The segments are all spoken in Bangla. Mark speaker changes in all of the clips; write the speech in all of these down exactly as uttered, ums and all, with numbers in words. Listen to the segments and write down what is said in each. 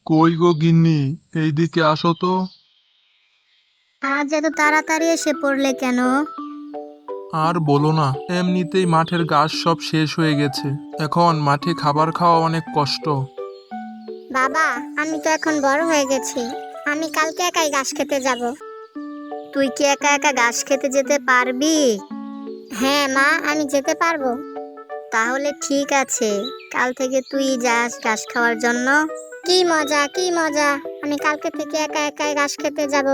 Speaker 1: কই গো গিন্নি, এইদিকে আসো তো।
Speaker 2: আজ এত তাড়াতাড়ি এসে পড়লে কেন?
Speaker 1: আর বলো না, এমনিতেই মাঠের ঘাস সব শেষ হয়ে গেছে। এখন মাঠে খাবার খাওয়া অনেক কষ্ট।
Speaker 2: বাবা, আমি তো এখন বড় হয়ে গেছি। আমি কালকে একাই ঘাস খেতে যাব। তুই কি একা একা ঘাস খেতে যেতে পারবি? হ্যাঁ মা, আমি যেতে পারবো। তাহলে ঠিক আছে, কাল থেকে তুই যাস ঘাস খাওয়ার জন্য। কি মজা, কি মজা! আমি কালকে থেকে একা একাই ঘাস খেতে যাব।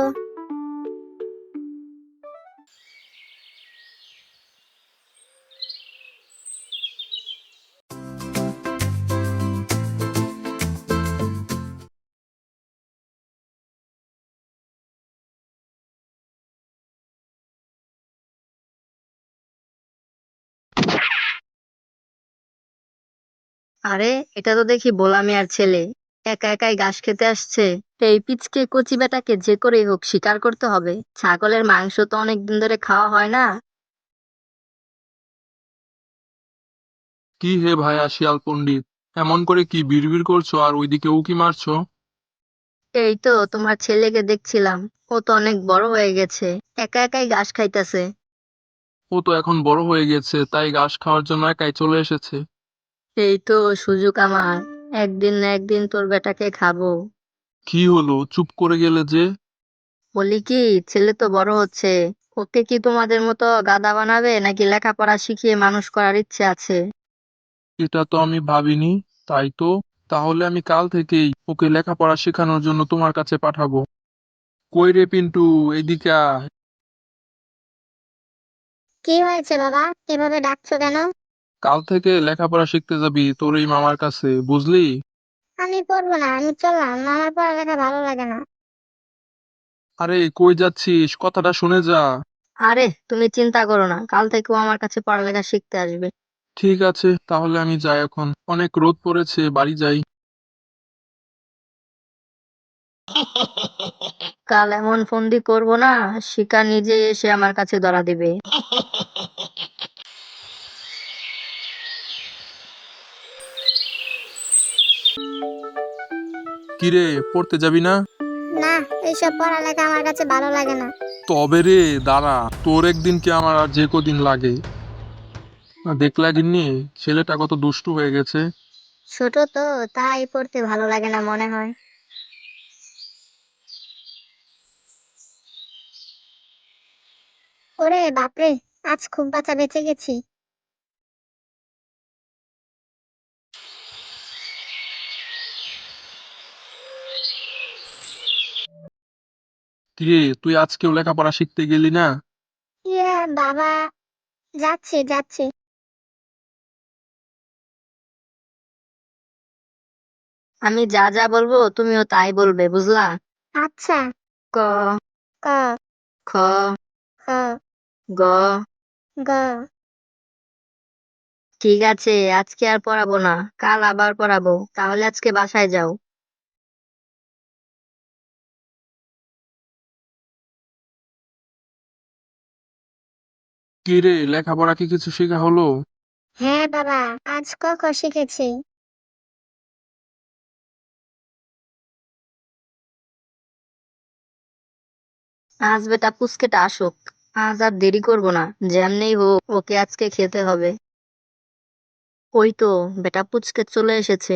Speaker 3: আরে, এটা তো দেখি ভোলা মিয়ার ছেলে। একা একাই ঘাস খেতে আসছে। এই পিচকে কচি বেটাকে যে করেই হোক শিকার করতে হবে। ছাগলের মাংস তো অনেকদিন ধরে খাওয়া হয় না।
Speaker 1: কি হে ভাইয়া শিয়াল পণ্ডিত, এমন করে কি বিড়বিড় করছো আর ওইদিকে উকি মারছো?
Speaker 3: এই তো তোমার ছেলেকে দেখছিলাম। ও তো অনেক বড় হয়ে গেছে, একা একাই ঘাস খাইতেছে।
Speaker 1: ও তো এখন বড় হয়ে গেছে, তাই ঘাস খাওয়ার জন্য একাই চলে এসেছে।
Speaker 3: এই তো সুযোগ আমার। একদিন না একদিন তোর বেটাকে খাবো।
Speaker 1: কি হলো, চুপ করে গেলে যে?
Speaker 3: বলি কি, ছেলে তো বড় হচ্ছে। ওকে কি তোমাদের মতো গাধা বানাবে নাকি লেখাপড়া শিখিয়ে মানুষ করার ইচ্ছে আছে?
Speaker 1: এটা তো আমি ভাবিনি। তাই তো, তাহলে আমি কাল থেকেই ওকে লেখাপড়া শেখানোর জন্য তোমার কাছে পাঠাবো। কই রে পিন্টু, এদিকে আয়।
Speaker 2: কি হয়েছে বাবা, এভাবে ডাকছো কেন?
Speaker 1: কাল থেকে লেখাপড়া শিখতে যাবি তোর এই মামার কাছে, বুঝলি?
Speaker 2: আমি পড়বো না, আমি চললাম। আমার পড়ালেখা ভালো লাগে না।
Speaker 1: আরে কই যাচ্ছিস, কথাটা শুনে যা।
Speaker 3: আরে তুমি চিন্তা করো না, কাল থেকে ও আমার কাছে পড়ালেখা শিখতে আসবে।
Speaker 1: ঠিক আছে, তাহলে আমি যাই এখন। অনেক রোদ পড়েছে, বাড়ি যাই।
Speaker 3: কাল এমন ফন্দি করব না, শিকার নিজে এসে আমার কাছে ধরা দিবে।
Speaker 1: কিরে, পড়তে যাবি না?
Speaker 2: না, এইসব পড়ালেখা আমার কাছে ভালো লাগে না।
Speaker 1: তবে রে দাঁড়া, তোর একদিন কি আমার আর যে কদিন লাগে। দেখলা গিন্নি, ছেলেটা কত দুষ্টু হয়ে গেছে।
Speaker 2: ছোট তো, তাই পড়তে ভালো লাগে না মনে হয়। ওরে বাপরে, আজ খুব বাঁচা বেঁচে গেছি।
Speaker 1: কিরে, তুই আজকেও লেখাপড়া শিখতে গেলি না?
Speaker 2: ইয়ে বাবা, যাচ্ছি যাচ্ছি।
Speaker 3: আমি যা যা বলবো তুমিও তাই বলবে, বুঝলা?
Speaker 2: আচ্ছা।
Speaker 3: ক,
Speaker 2: ক,
Speaker 3: খ,
Speaker 2: খ,
Speaker 3: গ।
Speaker 2: গ।
Speaker 3: ঠিক আছে, আজকে আর পড়াবো না, কাল আবার পড়াবো। তাহলে আজকে বাসায় যাও।
Speaker 1: কিরে, লেখাপড়া কি কিছু শেখা হলো?
Speaker 2: হ্যাঁ বাবা, আজ ক খ শিখেছি।
Speaker 3: আজ বেটা পুচকেটা আসুক। আজ আর দেরি করবো না, যেমনি হোক ওকে আজকে খেতে হবে। ওই তো বেটা পুচকে চলে এসেছে।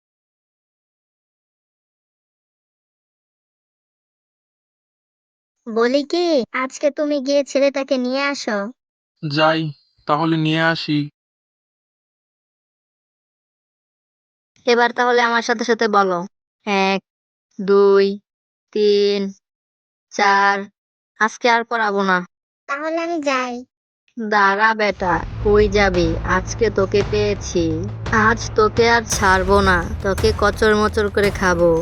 Speaker 2: বলি কি, আজকে তুমি গিয়ে ছেলেটাকে নিয়ে আসো।
Speaker 1: যাই, তাহলে নিয়ে আসি।
Speaker 3: এবার তাহলে আমার সাথে সাথে বলো। এক, দুই, তিন, চার। আজকে আর পড়াবো না।
Speaker 2: তাহলে আমি যাই।
Speaker 3: দাঁড়া বেটা, কই যাবি? আজকে তোকে পেয়েছি। আজ তোকে আর ছাড়বো না, তোকে কচর মচর করে খাবো।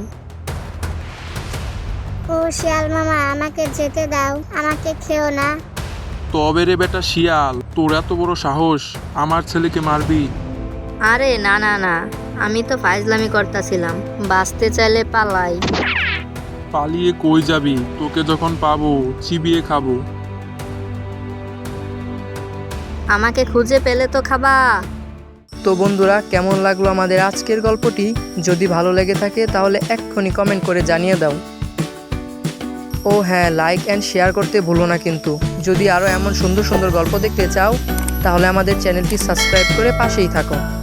Speaker 2: ও শিয়াল মামা, আমাকে যেতে দাও, আমাকে খেও না।
Speaker 1: তবে রে বেটা শিয়াল, তোর এত বড় সাহস, আমার ছেলেকে মারবি?
Speaker 3: আরে না না না, আমি তো ফাইজলামি করতেছিলাম। বাঁচতে চাইলে পালাই।
Speaker 1: পালিয়ে কই যাবি? তোকে যখন পাবো চিবিয়ে খাবো।
Speaker 3: আমাকে খুঁজে পেলে তো খাবা।
Speaker 4: তো বন্ধুরা, কেমন লাগলো আমাদের আজকের গল্পটি? যদি ভালো লেগে থাকে তাহলে এক্ষুনি কমেন্ট করে জানিয়ে দাও। ও হ্যাঁ, লাইক অ্যান্ড শেয়ার করতে ভুলো না কিন্তু। যদি আরও এমন সুন্দর সুন্দর গল্প দেখতে চাও তাহলে আমাদের চ্যানেলটি সাবস্ক্রাইব করে পাশেই থাকো।